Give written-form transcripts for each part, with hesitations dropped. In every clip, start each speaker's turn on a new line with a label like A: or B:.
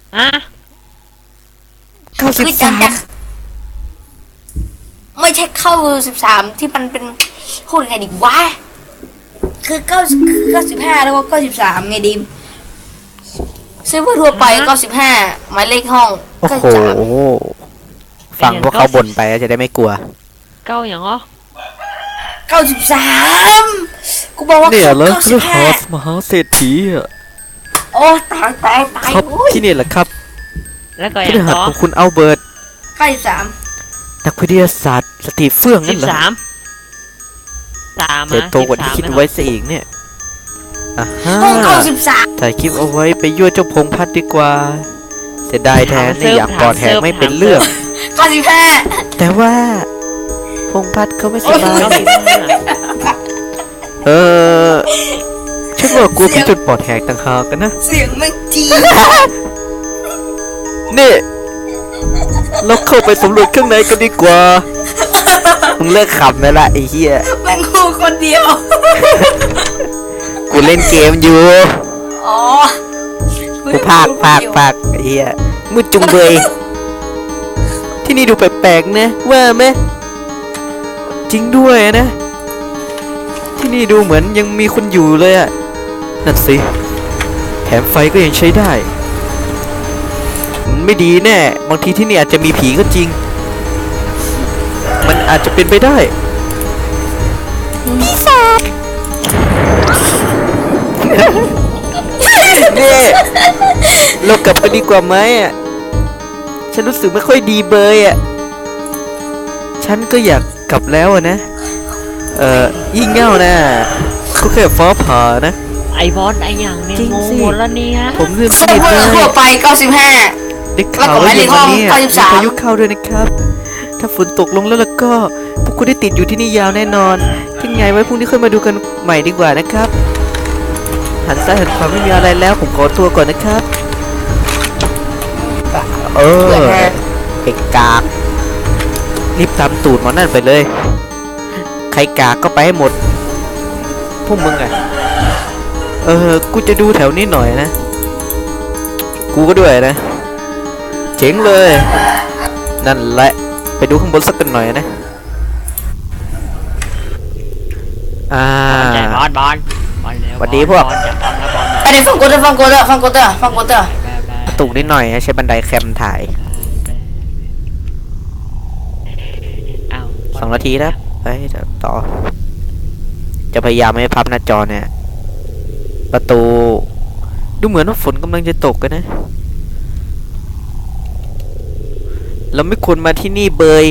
A: อ่ะ
B: คือจากไม่ใช่เข้า13ที่มันเป็นพูดไงดีวะคือ95แล้วก็93ไงดิมซื้อเพื่อทั่วไป95หมายเลขห้อง
C: โอ้โหฟังพวกเขาบ่นไปจะได้ไม่กลัว
A: เก้าอย่างอ๋อ
B: 93กูบอกว่า
C: เนี่ยแล้วคือหอส
B: 95
C: มหาเศรษฐีอ่ะ
B: โอ้ตาย
C: ครับที่นี่แหละครับ
A: แล้วก็อ
C: ที่
A: ย่าง
C: หัด
A: อ๋อ
C: ของคุณอัลเบิร์ต
B: 93
C: นักวิทยาศาสตร์สตีเฟื่องนั่นเหรอ
A: 13
C: เติบโตกว่าที่คิดไว้ซะอีกเนี่ยอ่ะฮะ
B: ห้อง93
C: ถ่ายคลิปเอาไว้ไปยั่วเจ้าพงพัดดีกว่าเสียดายแทนเนี่ยอยากกอดแทนไม่เป็นเรื่อง
B: 95
C: แต่ว่าพงพัดเขาไม่สบายฉันว่ากลัวพี่จนปอดแหกต่างหากกันนะ
B: เสียงไม่จี
C: นี่เราเข้าไปสำรวจข้างในกันดีกว่ามึงเลิกขำได้ละไอ้เหี้ย
B: แม่งกูคนเดียว
C: กูเล่นเกมอยู่
B: อ๋อ
C: กูภาคไอ้เหี้ยมืดจุงเบยที่นี่ดูแปลกๆนะว่าไหมจริงด้วยนะที่นี่ดูเหมือนยังมีคนอยู่เลยอะนั่นสิแถมไฟก็ยังใช้ได้มันไม่ดีแน่บางทีที่นี่อาจจะมีผีก็จริงมันอาจจะเป็นไปได้ปีศาจนี่เรากลับกันดีกว่าไหมอ่ะฉันรู้สึกไม่ค่อยดีเบยอ่ะฉันก็อยากกลับแล้วนะยิ่งเง่านะก็แค่ฟ้าผ่านะ
A: ไอบอสไออย่างเนี่ยงงหมดแล้วเนี่ย
C: ผมลืมส
B: เซิ
C: นิ
B: ร์ฟ
C: ท
B: เวอ
C: เล
B: ร์ทั่วย ไป95
C: ได้ข่าวว่าเย็นวันนี้มีพายุเข้าด้วยนะครับถ้าฝนตกลงแล้วก็พวกคุณได้ติดอยู่ที่นี่ยาวแน่นอนที่ไงไว้พรุ่งนี้ค่อยมาดูกันใหม่ดีกว่านะครับหันซ้ายหันขวาไม่มีอะไรแล้วผมขอตัวก่อนนะครับไอ้กากรีบตามตูดหมอนั่นไปเลยใครกากก็ไปให้หมดพวกมึงอะกูจะดูแถวนี้หน่อยนะกูก็ด้วยนะเจ๋งเลยนั่นแหละไปดูข้างบนสักกันหน่อยนะ
A: บอล
C: สวัสดีพวก
B: อันนี้ฟังกูเถอะ
C: ตุกนิดหน่อยใช้บันไดแคมถ่าย2 นาทีแล้วไปต่อจะพยายามไม่พับหน้าจอเนี่ยประตูดูเหมือนว่าฝนกำลังจะตกกันนะเราไม่ควรมาที่นี่เบย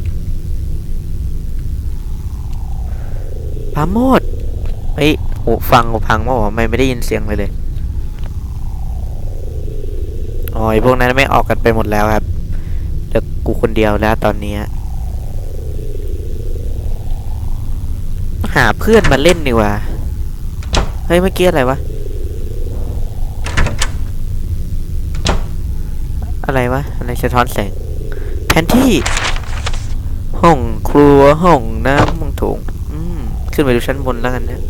C: ปาโมดหูพังว่าไม่ได้ยินเสียงเลยอ๋อพวกนั้นไม่ออกกันไปหมดแล้วครับเหลือกูคนเดียวแล้วตอนนี้หาเพื่อนมาเล่นดีกว่าเฮ้ยเมื่อกี้อะไรวะอะไรสะท้อนแสงแผนที่ห้องครัวห้องน้ำห้องโถงขึ้นไปดูชั้นบนแล้วกันนะ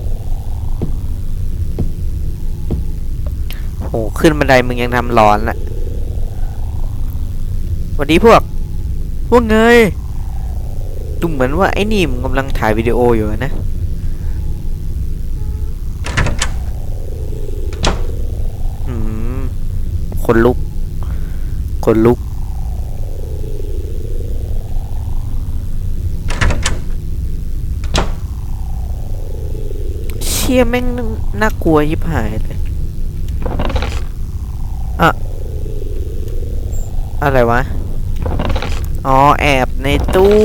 C: โหขึ้นบันไดมึงยังทำร้อนละวันนี้พวกไงดูเหมือนว่าไอ้นี่มึงกำลังถ่ายวิดีโออยู่นะคนลุกเชี่ยแม่งน่ากลัวยิบหายเลยอะไรวะอ๋อแอบในตู้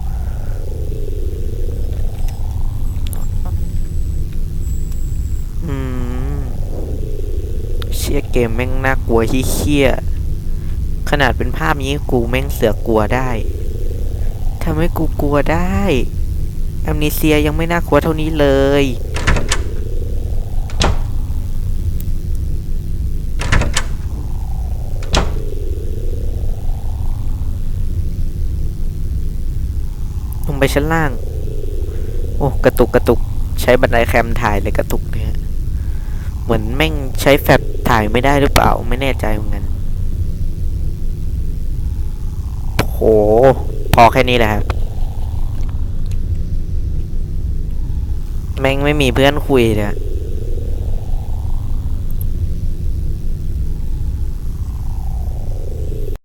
C: เชี่ยเกมแม่งน่ากลัวเหี้ยขนาดเป็นภาพนี้กูแม่งเสือกกลัวได้ทำให้กูกลัวได้แอมนิเซียยังไม่น่ากลัวเท่านี้เลยลงไปชั้นล่างโอ้กระตุกใช้บันไดแคมถ่ายเลยกระตุกเนี่ยเหมือนแม่งใช้แฟลชถ่ายไม่ได้หรือเปล่าไม่แน่ใจเหมือนกันพอแค่นี้แหละครับ แม่งไม่มีเพื่อนคุยเลย